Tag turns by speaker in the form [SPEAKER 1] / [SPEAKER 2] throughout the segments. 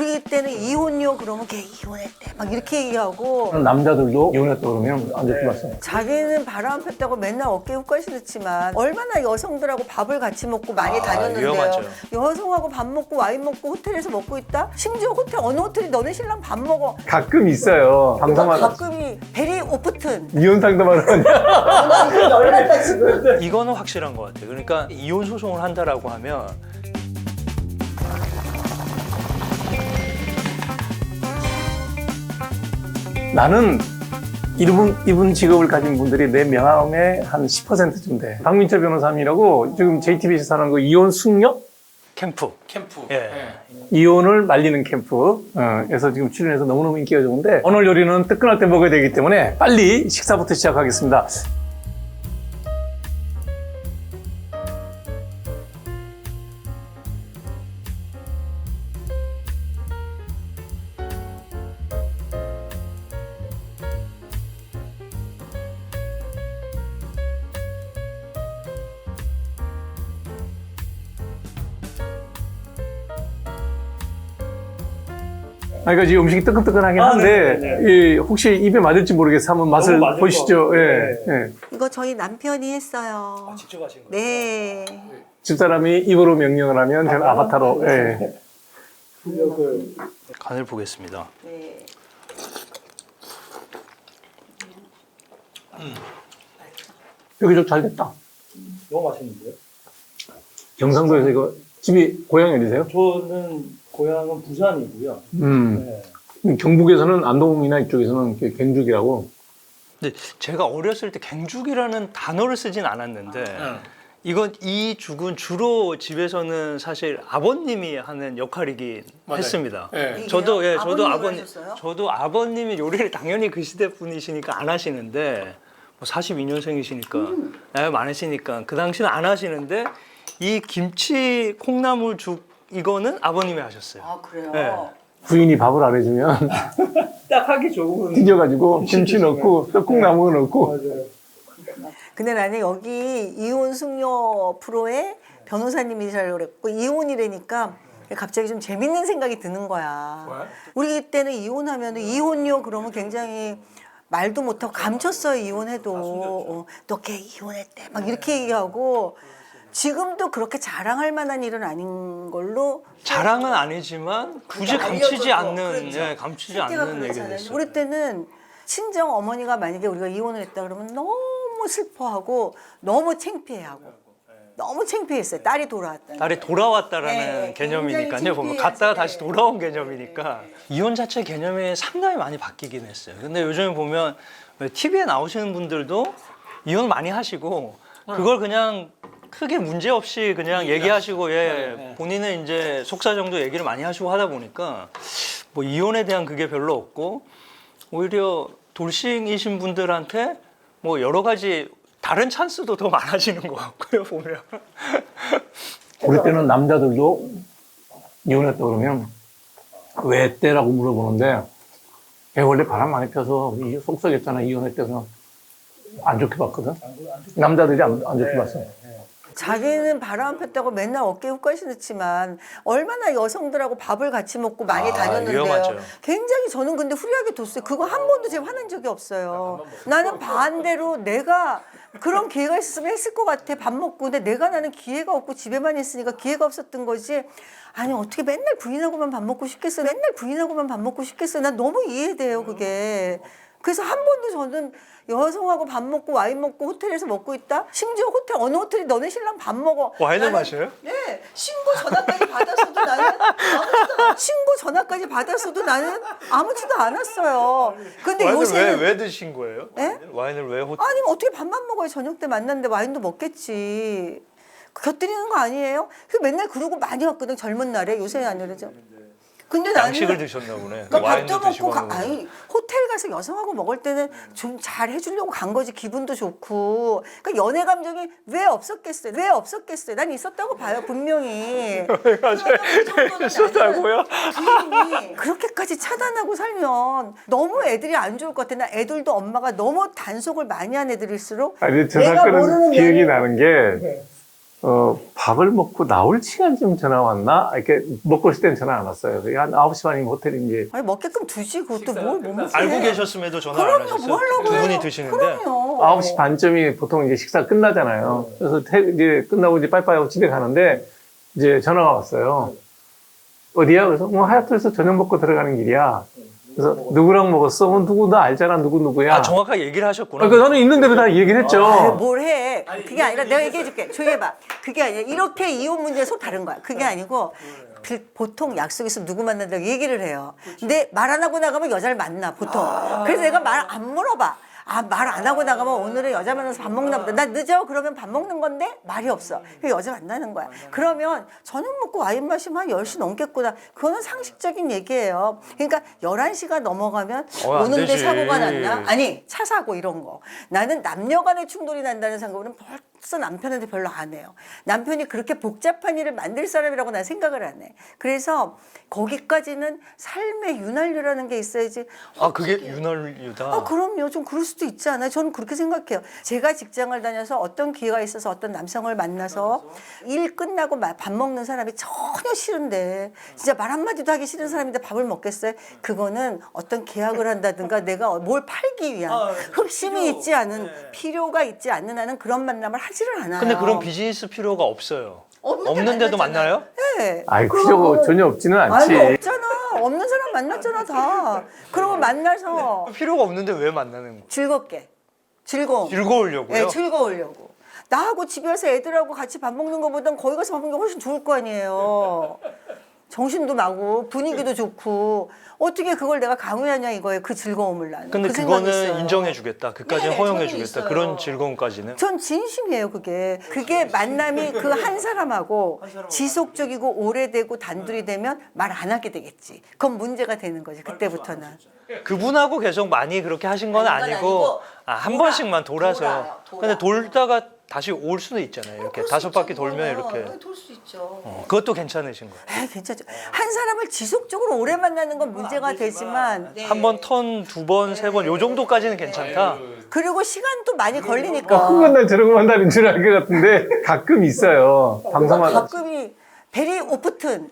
[SPEAKER 1] 우리 때는 이혼요 그러면 걔 이혼했대 막 이렇게 얘기하고
[SPEAKER 2] 남자들도 이혼했다 그러면 안 좋게 봤어요.
[SPEAKER 1] 자기는 바람 폈다고 맨날 어깨에 훅까지 넣지만 얼마나 여성들하고 밥을 같이 먹고 많이 다녔는데요.
[SPEAKER 3] 위험하죠.
[SPEAKER 1] 여성하고 밥 먹고 와인 먹고 호텔에서 먹고 있다? 심지어 호텔 어느 호텔이 너네 신랑 밥 먹어.
[SPEAKER 2] 가끔 있어요. 방송하다
[SPEAKER 1] 가끔이 베리 오프튼.
[SPEAKER 2] 이혼 상담하러 가냐?
[SPEAKER 1] 열났다 지금.
[SPEAKER 3] 이거는 확실한 것 같아요. 그러니까 이혼 소송을 한다라고 하면
[SPEAKER 2] 나는 이분 직업을 가진 분들이 내 명함의 한 10%쯤 돼. 박민철 변호사님이라고 지금 JTBC에서 하는 그 이혼 숙녀?
[SPEAKER 3] 캠프. 예.
[SPEAKER 2] 이혼을 말리는 캠프. 그래서 지금 출연해서 너무너무 인기가 좋은데 오늘 요리는 뜨끈할 때 먹어야 되기 때문에 빨리 식사부터 시작하겠습니다. 그러니까 지금 음식이 뜨끈뜨끈하긴 한데 이 혹시 입에 맞을지 모르겠어서 한번 맛을 보시죠. 예, 예.
[SPEAKER 1] 이거 저희 남편이 했어요.
[SPEAKER 3] 직접 하신 거예요?
[SPEAKER 1] 네.
[SPEAKER 2] 집사람이 입으로 명령을 하면 저는 아바타로. 예.
[SPEAKER 3] 간을 보겠습니다.
[SPEAKER 1] 네.
[SPEAKER 2] 여기 좀 잘 됐다.
[SPEAKER 4] 너무 맛있는데요?
[SPEAKER 2] 경상도에서 이거 집이 고향이 어디세요?
[SPEAKER 4] 저는 고향은 부산이고요. 네.
[SPEAKER 2] 경북에서는 안동이나 이쪽에서는 갱죽이라고.
[SPEAKER 3] 근데 제가 어렸을 때 갱죽이라는 단어를 쓰진 않았는데 이 죽은 주로 집에서는 사실 아버님이 하는 역할이긴 했습니다.
[SPEAKER 2] 예.
[SPEAKER 3] 저도
[SPEAKER 1] 아버님이 하셨어요?
[SPEAKER 3] 저도 아버님이 요리를 당연히 그 시대 분이시니까 안 하시는데 뭐 42년생이시니까 나이 많으시니까 그 당시는 안 하시는데 이 김치 콩나물죽 이거는 아버님이 하셨어요.
[SPEAKER 1] 아 그래요?
[SPEAKER 3] 네.
[SPEAKER 2] 부인이 밥을 안 해주면
[SPEAKER 4] 딱 하기 좋은.
[SPEAKER 2] 튀겨가지고 김치 넣고 떡국나무 넣고.
[SPEAKER 4] 맞아요.
[SPEAKER 1] 근데 나는 여기 이혼 숙녀 프로에 변호사님이시라고 그랬고 이혼이라니까 갑자기 좀 재밌는 생각이 드는 거야. 우리 때는 이혼하면 이혼요 그러면 굉장히 말도 못하고 감췄어요. 이혼해도 너 걔 이혼했대 막 이렇게 얘기하고 지금도 그렇게 자랑할 만한 일은 아닌 걸로
[SPEAKER 3] 자랑은 아니지만 굳이
[SPEAKER 1] 그러니까
[SPEAKER 3] 감추지
[SPEAKER 1] 알려져도,
[SPEAKER 3] 않는
[SPEAKER 1] 그렇죠.
[SPEAKER 3] 예, 감추지
[SPEAKER 1] 실제가
[SPEAKER 3] 않는 얘기가
[SPEAKER 1] 그렇잖아요.
[SPEAKER 3] 됐어요.
[SPEAKER 1] 우리 때는 친정 어머니가 만약에 우리가 이혼을 했다 그러면 너무 슬퍼하고 너무 창피해하고 너무 창피했어요. 딸이 돌아왔다.
[SPEAKER 3] 딸이 돌아왔다라는
[SPEAKER 1] 네,
[SPEAKER 3] 개념이니까요.
[SPEAKER 1] 굉장히
[SPEAKER 3] 보면
[SPEAKER 1] 창피해하지.
[SPEAKER 3] 갔다가 다시 돌아온 개념이니까 이혼 자체 개념이 상당히 많이 바뀌긴 했어요. 근데 요즘에 보면 TV에 나오시는 분들도 이혼 많이 하시고 그걸 그냥 크게 문제 없이 그냥 얘기하시고 본인은 이제 속사 정도 얘기를 많이 하시고 하다 보니까 뭐 이혼에 대한 그게 별로 없고 오히려 돌싱이신 분들한테 뭐 여러 가지 다른 찬스도 더 많아지는 것 같고요 보면.
[SPEAKER 2] 우리 때는 남자들도 이혼했다 그러면 왜 했대라고 물어보는데 걔 원래 바람 많이 펴서 속썩였잖아 이혼했대서 안 좋게 봤거든. 남자들이 안 좋게 봤어.
[SPEAKER 1] 자기는 바람 폈다고 맨날 어깨에 훅까지 넣지만 얼마나 여성들하고 밥을 같이 먹고 많이 다녔는데요.
[SPEAKER 3] 위험하죠.
[SPEAKER 1] 굉장히 저는 근데 후리하게 뒀어요. 그거 한 번도 제가 화난 적이 없어요. 나는 반대로 내가 그런 기회가 있었으면 했을 것 같아. 밥 먹고. 근데 나는 기회가 없고 집에만 있으니까 기회가 없었던 거지. 아니 어떻게 맨날 부인하고만 밥 먹고 싶겠어. 맨날 부인하고만 밥 먹고 싶겠어. 난 너무 이해돼요 그게. 그래서 한 번도 저는 여성하고 밥 먹고 와인 먹고 호텔에서 먹고 있다? 심지어 호텔 어느 호텔이 너네 신랑 밥 먹어.
[SPEAKER 3] 와인을
[SPEAKER 1] 나는-
[SPEAKER 3] 마셔요?
[SPEAKER 1] 네. 신고 전화까지 받았어도 나는 신고 전화까지 받았어도 나는 아무렇지도 않았어요. 근데
[SPEAKER 3] 와인을
[SPEAKER 1] 요새는
[SPEAKER 3] 왜 드신 거예요?
[SPEAKER 1] 네?
[SPEAKER 3] 와인을 왜 호텔?
[SPEAKER 1] 아니 어떻게 밥만 먹어요. 저녁 때 만났는데 와인도 먹겠지. 곁들이는 거 아니에요? 그 맨날 그러고 많이 왔거든 젊은 날에. 요새는 안 그러죠. 근데 나는
[SPEAKER 3] 양식을 드셨나 보네.
[SPEAKER 1] 그러니까
[SPEAKER 3] 와인도
[SPEAKER 1] 밥도
[SPEAKER 3] 드시고
[SPEAKER 1] 먹고
[SPEAKER 3] 하는 거구나.
[SPEAKER 1] 아니 호텔 가서 여성하고 먹을 때는 좀 잘 해주려고 간 거지. 기분도 좋고. 그러니까 연애 감정이 왜 없었겠어요? 왜 없었겠어요? 난 있었다고 봐요 분명히.
[SPEAKER 3] 있었다고요?
[SPEAKER 1] 부인이 그렇게까지 차단하고 살면 너무 애들이 안 좋을 것 같아. 나 애들도 엄마가 너무 단속을 많이 한 애들일수록
[SPEAKER 2] 아니 저
[SPEAKER 1] 내가
[SPEAKER 2] 사건은
[SPEAKER 1] 모르는
[SPEAKER 2] 기억이
[SPEAKER 1] 연애-
[SPEAKER 2] 나는 게 밥을 먹고 나올 시간쯤 전화 왔나? 이렇게 먹고 있을 때는 전화 안 왔어요. 그게 한 9시 반이면 호텔이 이제.
[SPEAKER 1] 아니 먹게끔 두지 그것도 뭘 못 먹지.
[SPEAKER 3] 알고 계셨음에도 전화를 안
[SPEAKER 1] 그럼요,
[SPEAKER 3] 하셨어요?
[SPEAKER 1] 뭐 하려고
[SPEAKER 3] 두 분이
[SPEAKER 1] 해요.
[SPEAKER 3] 드시는데.
[SPEAKER 1] 그럼요.
[SPEAKER 2] 9시 반쯤이 보통 이제 식사 끝나잖아요. 그래서 이제 끝나고 이제 빠이빠이 하고 집에 가는데 이제 전화가 왔어요. 어디야? 그래서 하얏트에서 저녁 먹고 들어가는 길이야. 그래서 누구랑 먹었어? 누구 나 알잖아. 누구야?
[SPEAKER 3] 아, 정확하게 얘기를 하셨구나.
[SPEAKER 2] 그러니까 저는 있는 대로 다 얘기를 했죠.
[SPEAKER 1] 아유, 뭘 해. 그게 아니라 내가 얘기해줄게. 조용히 해봐. 그게 아니라 이렇게 이혼 문제는 속 다른 거야. 그게 아니고 보통 약속 있으면 누구 만난다고 얘기를 해요. 근데 말 안 하고 나가면 여자를 만나 보통. 그래서 내가 말 안 물어봐. 아, 말 안 하고 나가면 오늘은 여자 만나서 밥 먹나 보다. 나 늦어? 그러면 밥 먹는 건데 말이 없어. 그 여자 만나는 거야. 그러면 저녁 먹고 와인 마시면 한 10시 넘겠구나. 그거는 상식적인 얘기예요. 그러니까 11시가 넘어가면
[SPEAKER 3] 안
[SPEAKER 1] 오는데
[SPEAKER 3] 되지.
[SPEAKER 1] 사고가 났나? 아니, 차 사고 이런 거. 나는 남녀 간의 충돌이 난다는 생각은 벌써 남편한테 별로 안 해요. 남편이 그렇게 복잡한 일을 만들 사람이라고 난 생각을 안 해. 그래서 거기까지는 삶의 윤활유라는 게 있어야지.
[SPEAKER 3] 아, 그게 윤활유다.
[SPEAKER 1] 아, 그럼요. 좀 그럴 수도 있지 않아요? 저는 그렇게 생각해요. 제가 직장을 다녀서 어떤 기회가 있어서 어떤 남성을 만나서 일 끝나고 밥 먹는 사람이 전혀 싫은데 진짜 말 한마디도 하기 싫은 사람인데 밥을 먹겠어요? 그거는 어떤 계약을 한다든가 내가 뭘 팔기 위한 흑심이 있지 않은 필요가 있지 않는 한은 그런 만남을 하지를 않아요.
[SPEAKER 3] 근데 그런 비즈니스 필요가 없어요.
[SPEAKER 1] 없는데
[SPEAKER 3] 없는데도
[SPEAKER 1] 만났잖아요.
[SPEAKER 3] 만나요?
[SPEAKER 1] 네.
[SPEAKER 2] 아이, 필요가 전혀 없지는 않지.
[SPEAKER 1] 아니 없잖아. 없는 사람 만났잖아 다. 그러고 만나서
[SPEAKER 3] 필요가 없는데 왜 만나는 거예요?
[SPEAKER 1] 즐겁게. 즐거움.
[SPEAKER 3] 즐거우려고요?
[SPEAKER 1] 네, 즐거우려고. 나하고 집에 와서 애들하고 같이 밥 먹는 것보단 거기 가서 밥 먹는 게 훨씬 좋을 거 아니에요. 정신도 나고 분위기도 좋고 어떻게 그걸 내가 강요하냐 이거예요. 그 즐거움을 나는.
[SPEAKER 3] 근데
[SPEAKER 1] 그 생각이
[SPEAKER 3] 그거는
[SPEAKER 1] 있어요.
[SPEAKER 3] 인정해주겠다. 그까지는
[SPEAKER 1] 네,
[SPEAKER 3] 허용해주겠다.
[SPEAKER 1] 저는
[SPEAKER 3] 그런
[SPEAKER 1] 있어요.
[SPEAKER 3] 즐거움까지는.
[SPEAKER 1] 전 진심이에요 그게. 그게 만남이 그 한 사람하고 지속적이고 오래되고 단둘이 되면 말 안 하게 되겠지. 그건 문제가 되는 거지 그때부터는.
[SPEAKER 3] 그분하고 계속 많이 그렇게 하신 건
[SPEAKER 1] 아니, 그건
[SPEAKER 3] 아니고
[SPEAKER 1] 아니고
[SPEAKER 3] 한
[SPEAKER 1] 돌아.
[SPEAKER 3] 번씩만 돌아서.
[SPEAKER 1] 돌아요, 돌아.
[SPEAKER 3] 근데 돌다가 다시 올 수도 있잖아요. 이렇게
[SPEAKER 1] 그럴 수
[SPEAKER 3] 5바퀴
[SPEAKER 1] 있죠,
[SPEAKER 3] 돌면
[SPEAKER 1] 그거는.
[SPEAKER 3] 이렇게.
[SPEAKER 1] 돌 수 있죠.
[SPEAKER 3] 그것도 괜찮으신 거예요.
[SPEAKER 1] 에이, 괜찮죠. 한 사람을 지속적으로 오래 만나는 건 문제가 되지만
[SPEAKER 3] 한 번 턴, 2번, 3번 요 정도까지는 괜찮다.
[SPEAKER 1] 그리고 시간도 많이 걸리니까.
[SPEAKER 2] 그건 난 저런 거 한다는 줄 알 것 같은데 가끔 있어요. 방송하다
[SPEAKER 1] 가끔이 베리 오프튼.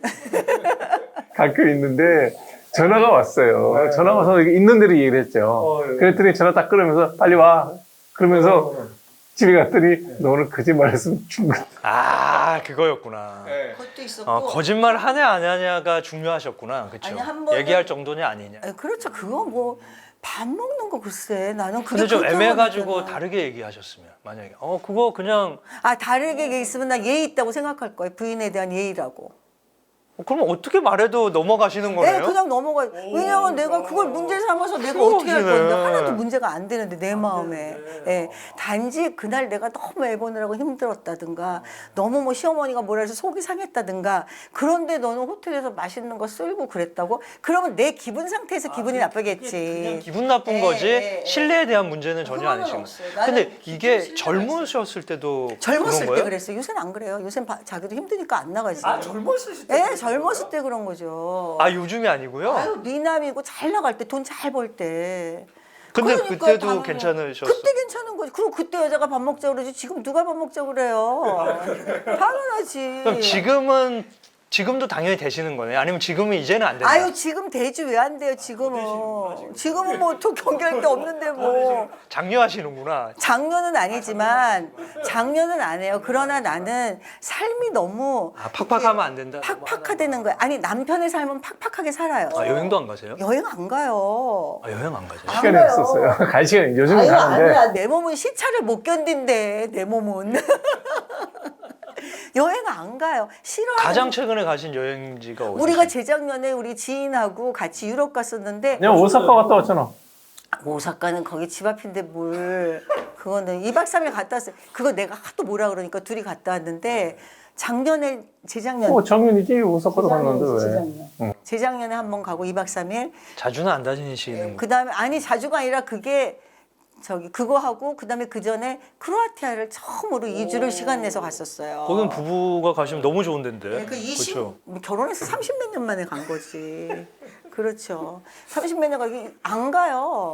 [SPEAKER 2] 가끔 있는데 전화가 왔어요. 전화가 와서 있는 대로 얘기를 했죠. 그랬더니 전화 딱 끊으면서 빨리 와. 그러면서 집에 갔더니 너 오늘 거짓말 했으면 죽는.
[SPEAKER 3] 아, 그거였구나.
[SPEAKER 1] 그것도 있었고.
[SPEAKER 3] 거짓말 하냐 안 하냐가 중요하셨구나. 그렇죠.
[SPEAKER 1] 아니, 한 번은-
[SPEAKER 3] 얘기할 정도냐 아니냐.
[SPEAKER 1] 그렇죠. 그거 뭐 밥 먹는 거 글쎄 나는 그게
[SPEAKER 3] 근데 좀
[SPEAKER 1] 그렇게
[SPEAKER 3] 애매해가지고
[SPEAKER 1] 하면
[SPEAKER 3] 다르게 얘기하셨으면 만약에 그거 그냥
[SPEAKER 1] 아 다르게 얘기했으면 나 예의 있다고 생각할 거예요. 부인에 대한 예의라고.
[SPEAKER 3] 그러면 어떻게 말해도 넘어가시는
[SPEAKER 1] 네,
[SPEAKER 3] 거네요?
[SPEAKER 1] 그냥 넘어가. 왜냐면 내가 그걸 문제 삼아서 내가
[SPEAKER 3] 필요가
[SPEAKER 1] 어떻게 할
[SPEAKER 3] 없으네.
[SPEAKER 1] 건데 하나도 문제가 안 되는데 내 마음에. 예. 단지 그날 내가 너무 애 보느라고 힘들었다든가 너무 뭐 시어머니가 뭐라 해서 속이 상했다든가 그런데 너는 호텔에서 맛있는 거 쓸고 그랬다고? 그러면 내 기분 상태에서 기분이 나쁘겠지.
[SPEAKER 3] 기분 나쁜
[SPEAKER 1] 예,
[SPEAKER 3] 거지
[SPEAKER 1] 예, 예.
[SPEAKER 3] 신뢰에 대한 문제는 전혀
[SPEAKER 1] 그거는
[SPEAKER 3] 아니신
[SPEAKER 1] 없어요.
[SPEAKER 3] 거예요.
[SPEAKER 1] 나는
[SPEAKER 3] 근데 이게
[SPEAKER 1] 기존 신뢰가
[SPEAKER 3] 젊으셨을 때도
[SPEAKER 1] 젊었을
[SPEAKER 3] 그런
[SPEAKER 1] 때
[SPEAKER 3] 거예요?
[SPEAKER 1] 그랬어요. 요새는 안 그래요. 요새는 자기도 힘드니까 안 나가지.
[SPEAKER 4] 젊었을 때.
[SPEAKER 1] 예, 젊었을 때 그런 거죠.
[SPEAKER 3] 아, 요즘이 아니고요?
[SPEAKER 1] 아유, 미남이고 잘 나갈 때, 돈 잘 벌 때.
[SPEAKER 3] 근데
[SPEAKER 1] 그러니까
[SPEAKER 3] 그때도
[SPEAKER 1] 당연히-
[SPEAKER 3] 괜찮으셨어요?
[SPEAKER 1] 그때 괜찮은 거지. 그리고 그때 여자가 밥 먹자 그러지. 지금 누가 밥 먹자 그래요. 당연하지.
[SPEAKER 3] 그럼 지금도 당연히 되시는 거네요? 아니면 지금은 이제는 안 된다?
[SPEAKER 1] 아유 지금 되지 왜 안 돼요 지금은. 지금은 뭐 또 경계할 게 없는데 뭐.
[SPEAKER 3] 장려하시는구나.
[SPEAKER 1] 장녀는 아니지만 장녀는 안 해요. 그러나 나는 삶이 너무
[SPEAKER 3] 팍팍하면 안 된다?
[SPEAKER 1] 팍팍하다는 거야. 아니 남편의 삶은 팍팍하게 살아요.
[SPEAKER 3] 아, 여행도 안 가세요?
[SPEAKER 1] 여행 안 가요.
[SPEAKER 3] 아, 여행 안 가세요?
[SPEAKER 2] 시간이
[SPEAKER 1] 가요.
[SPEAKER 2] 없었어요. 갈 시간이 요즘은
[SPEAKER 1] 아유,
[SPEAKER 2] 가는데
[SPEAKER 1] 아니야. 내 몸은 시차를 못 견딘대. 내 몸은. 여행 안 가요. 싫어요.
[SPEAKER 3] 가장 최근에 가신 여행지가 어디세요?
[SPEAKER 1] 우리가 재작년에 우리 지인하고 같이 유럽 갔었는데
[SPEAKER 2] 그냥 오사카 갔다 왔잖아.
[SPEAKER 1] 오사카는 거기 집 앞인데 뭘 그거는 2박 3일 갔다 왔어요. 그거 내가 하도 뭐라 그러니까 둘이 갔다 왔는데 작년에 재작년
[SPEAKER 2] 작년이지 오사카도 갔는데 왜?
[SPEAKER 1] 재작년. 재작년에 한 번 가고 2박 3일
[SPEAKER 3] 자주는 안 다니시는
[SPEAKER 1] 그다음에 아니 자주가 아니라 그게 그거 하고 그다음에 그 전에 크로아티아를 처음으로 2주를 시간 내서 갔었어요.
[SPEAKER 3] 거긴 부부가 가시면 너무 좋은 데인데.
[SPEAKER 1] 네, 그 20,
[SPEAKER 3] 그렇죠.
[SPEAKER 1] 결혼해서 30몇 년 만에 간 거지. 그렇죠. 30몇 년 가기 안 가요.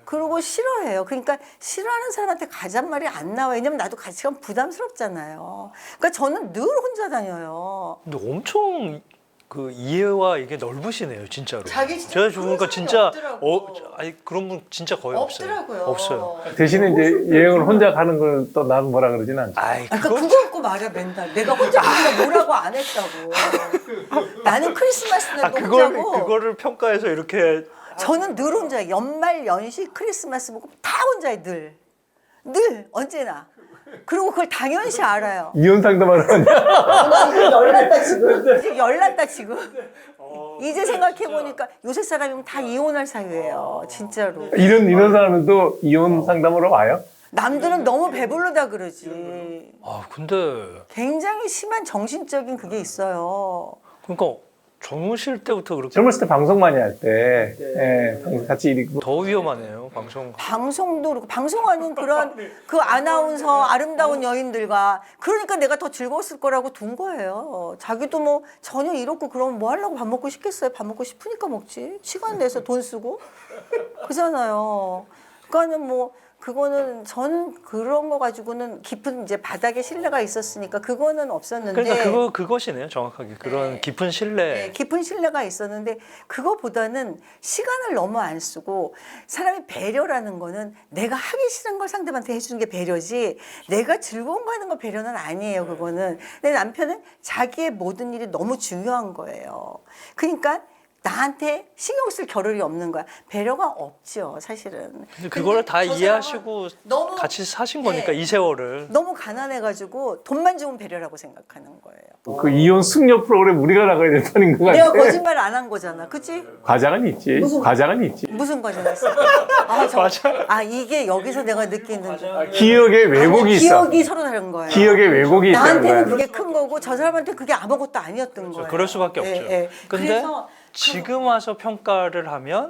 [SPEAKER 1] 그리고 싫어해요. 그러니까 싫어하는 사람한테 가잔 말이 안 나와요. 왜냐면 나도 같이 가면 부담스럽잖아요. 그러니까 저는 늘 혼자 다녀요.
[SPEAKER 3] 근데 엄청 그 이해와 이게 넓으시네요, 진짜로.
[SPEAKER 1] 자기 진짜
[SPEAKER 3] 제가
[SPEAKER 1] 그런
[SPEAKER 3] 보니까
[SPEAKER 1] 사람이
[SPEAKER 3] 진짜
[SPEAKER 1] 없더라고.
[SPEAKER 3] 아니 그런 분 진짜 거의
[SPEAKER 1] 없더라고요.
[SPEAKER 3] 없어요.
[SPEAKER 2] 대신에 이제 여행을 혼자 가는 걸 또 나는 뭐라 그러지는 않죠.
[SPEAKER 3] 아이
[SPEAKER 1] 그러니까
[SPEAKER 3] 그거
[SPEAKER 1] 그거 갖고 말이야 맨날 내가 혼자 가니까 뭐라고 안 했다고. 나는 크리스마스 날 혼자고
[SPEAKER 3] 그거를 평가해서 이렇게
[SPEAKER 1] 저는 늘 혼자 연말 연시 크리스마스 보고 다 혼자해 늘 언제나. 그리고 그걸 당연시 알아요.
[SPEAKER 2] 이혼 상담하러 왔냐?
[SPEAKER 1] 열났다 지금. 이제 열났다 지금. 이제 생각해 보니까 요새 사람이면 다 이혼할 사유예요. 진짜로.
[SPEAKER 2] 이런 사람은 또 이혼 상담으로 와요?
[SPEAKER 1] 남들은 너무 배부르다 그러지.
[SPEAKER 3] 아 근데
[SPEAKER 1] 굉장히 심한 정신적인 그게 있어요.
[SPEAKER 3] 그러니까 젊으실 때부터 그렇게
[SPEAKER 2] 젊었을 때 방송 많이 할 때, 예, 방송 같이 이리고.
[SPEAKER 3] 더 위험하네요, 방송.
[SPEAKER 1] 방송도 그렇고 방송하는 그런 그 아나운서 아름다운 여인들과 그러니까 내가 더 즐거웠을 거라고 둔 거예요. 자기도 뭐 전혀 이렇고 그러면 뭐 하려고 밥 먹고 싶겠어요. 밥 먹고 싶으니까 먹지. 시간 내서 돈 쓰고 그잖아요. 그러니까는 뭐 그거는 저는 그런 거 가지고는 깊은 이제 바닥에 신뢰가 있었으니까 그거는 없었는데.
[SPEAKER 3] 그러니까 그것이네요, 정확하게 그런
[SPEAKER 1] 네.
[SPEAKER 3] 깊은 신뢰.
[SPEAKER 1] 네, 깊은 신뢰가 있었는데 그거보다는 시간을 너무 안 쓰고 사람이 배려라는 거는 내가 하기 싫은 걸 상대방한테 해주는 게 배려지 내가 즐거운 거 하는 거 배려는 아니에요. 그거는. 내 남편은 자기의 모든 일이 너무 중요한 거예요. 그러니까 나한테 신경 쓸 겨를이 없는 거야. 배려가 없죠, 사실은.
[SPEAKER 3] 근데 그거를 다
[SPEAKER 1] 저
[SPEAKER 3] 이해하시고
[SPEAKER 1] 사람은 너무
[SPEAKER 3] 같이 사신 거니까
[SPEAKER 1] 네.
[SPEAKER 3] 이 세월을.
[SPEAKER 1] 너무 가난해가지고 돈만 주면 배려라고 생각하는 거예요.
[SPEAKER 2] 그 이혼 승려 프로그램 우리가 나가야 된다는 거
[SPEAKER 1] 내가
[SPEAKER 2] 같아.
[SPEAKER 1] 거짓말 안 한 거잖아, 그치?
[SPEAKER 2] 과장은 있지. 과장은 있지.
[SPEAKER 1] 무슨 과정이었어? 이게 여기서 내가 느끼는
[SPEAKER 2] 기억의 왜곡이 있어.
[SPEAKER 1] 기억이 서로 다른 거예요.
[SPEAKER 2] 기억의 왜곡이 있다는
[SPEAKER 1] 나한테는
[SPEAKER 2] 거야.
[SPEAKER 1] 그게 큰 거고 저 사람한테 그게 아무것도 아니었던 거예요.
[SPEAKER 3] 그럴 수밖에 없죠. 근데
[SPEAKER 1] 그래서
[SPEAKER 3] 지금 와서 평가를 하면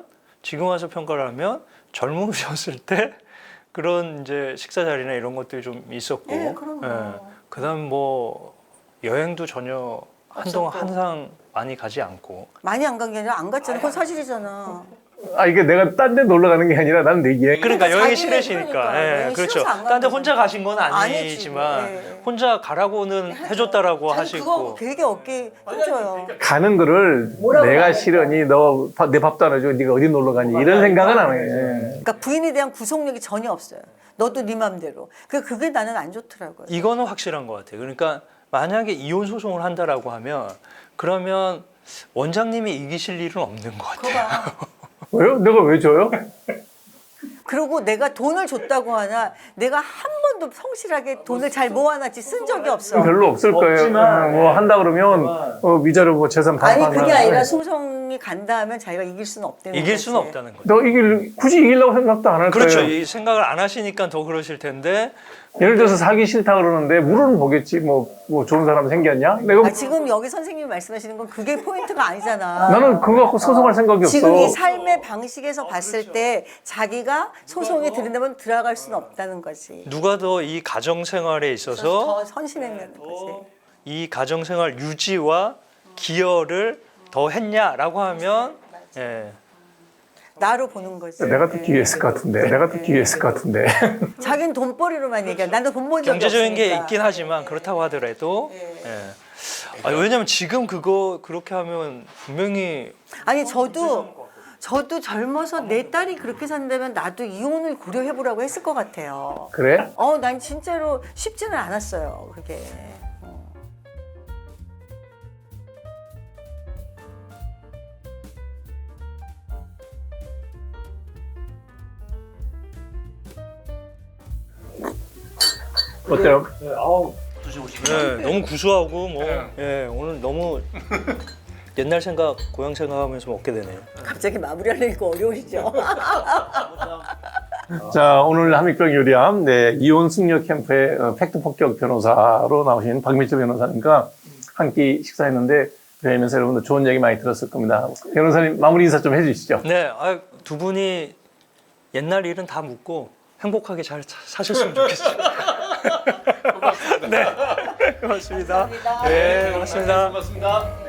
[SPEAKER 3] 젊으셨을 때 그런 이제 식사 자리나 이런 것들이 좀 있었고,
[SPEAKER 1] 네, 그럼요.
[SPEAKER 3] 그다음 뭐 여행도 전혀 한동안
[SPEAKER 1] 없었고.
[SPEAKER 3] 항상 많이 가지 않고.
[SPEAKER 1] 많이 안 간 게 아니라 안 갔잖아. 그건 사실이잖아.
[SPEAKER 2] 이게 내가 딴 데 놀러 가는 게 아니라 나는 내 여행.
[SPEAKER 3] 그러니까 여행이
[SPEAKER 1] 자기는
[SPEAKER 3] 싫으시니까.
[SPEAKER 1] 그러니까
[SPEAKER 3] 예,
[SPEAKER 1] 여행이
[SPEAKER 3] 그렇죠.
[SPEAKER 1] 싫어서 안 가는
[SPEAKER 3] 딴 데
[SPEAKER 1] 거잖아요.
[SPEAKER 3] 혼자 가신 건
[SPEAKER 1] 아니지.
[SPEAKER 3] 아니지만
[SPEAKER 1] 네.
[SPEAKER 3] 혼자 가라고는 해줬다라고
[SPEAKER 1] 자기
[SPEAKER 3] 하시고.
[SPEAKER 1] 그거 되게 어깨 힘줘요.
[SPEAKER 2] 가는 거를 내가 싫으니 너 내 밥도 안 해주고 네가 어디 놀러 가니 이런 생각은 안 해.
[SPEAKER 1] 그러니까 부인에 대한 구속력이 전혀 없어요. 너도 네 맘대로. 그게 나는 안 좋더라고요.
[SPEAKER 3] 이거는 확실한 것 같아요. 그러니까 만약에 이혼 소송을 한다라고 하면 그러면 원장님이 이기실 일은 없는 것
[SPEAKER 1] 그거
[SPEAKER 3] 같아요.
[SPEAKER 1] 봐.
[SPEAKER 2] 왜요? 내가 왜 줘요?
[SPEAKER 1] 그리고 내가 돈을 줬다고 하나 내가 한 번도 성실하게 돈을 잘 모아놨지 쓴 적이 없어.
[SPEAKER 2] 별로 없을 거예요.
[SPEAKER 4] 없지만,
[SPEAKER 2] 뭐 한다 그러면 위자료 뭐 재산
[SPEAKER 1] 아니
[SPEAKER 2] 반반.
[SPEAKER 1] 그게 아니라 소송이 간다 하면 자기가 이길 수는 없다는
[SPEAKER 3] 이길
[SPEAKER 1] 거지.
[SPEAKER 3] 수는 없다는 거죠.
[SPEAKER 2] 너 굳이 이기려고 생각도 안 할
[SPEAKER 3] 그렇죠.
[SPEAKER 2] 거예요.
[SPEAKER 3] 이 생각을 안 하시니까 더 그러실 텐데
[SPEAKER 2] 예를 들어서 사기 싫다 그러는데 물은 보겠지. 뭐 좋은 사람 생겼냐? 내가
[SPEAKER 1] 지금 여기 선생님이 말씀하시는 건 그게 포인트가 아니잖아.
[SPEAKER 2] 나는 그거 갖고 소송할 생각이 없어.
[SPEAKER 1] 지금 이 삶의 방식에서 봤을 때 자기가 소송에 들인다면 들어갈 수는 없다는 거지.
[SPEAKER 3] 누가 더 이 가정 생활에 있어서
[SPEAKER 1] 더 선심했다는 거지.
[SPEAKER 3] 이 가정 생활 유지와 기여를 더 했냐라고 하면 예.
[SPEAKER 1] 나로 보는 거지.
[SPEAKER 2] 내가 더 기회했을 것 같은데. 내가 더 기회했을 것 같은데.
[SPEAKER 1] 자기는 돈벌이로만 얘기해. 나는 돈 번 적이
[SPEAKER 3] 경제적인 게
[SPEAKER 1] 없으니까.
[SPEAKER 3] 있긴 하지만 그렇다고 하더라도 예. 왜냐면 지금 그거 그렇게 하면 분명히
[SPEAKER 1] 아니 저도 젊어서 내 딸이 그렇게 산다면 나도 이혼을 고려해보라고 했을 것 같아요.
[SPEAKER 2] 그래?
[SPEAKER 1] 난 진짜로 쉽지는 않았어요. 그게.
[SPEAKER 2] 어때요?
[SPEAKER 4] 네, 아우
[SPEAKER 3] 네, 너무 구수하고 뭐 예, 오늘 너무 옛날 생각, 고향 생각하면서 먹게 되네요.
[SPEAKER 1] 갑자기 마무리하려니까 어려우시죠?
[SPEAKER 2] 자, 오늘 한mik병 요리함, 이혼 승려 캠프의 팩트 폭격 변호사로 나오신 박민철 변호사님과 한 끼 식사했는데, 뵈면서 여러분들 좋은 얘기 많이 들었을 겁니다. 변호사님, 마무리 인사 좀 해주시죠.
[SPEAKER 3] 네, 두 분이 옛날 일은 다 묻고 행복하게 잘 사셨으면 좋겠어요. 네, 고맙습니다. 네, 고맙습니다.
[SPEAKER 4] 고맙습니다.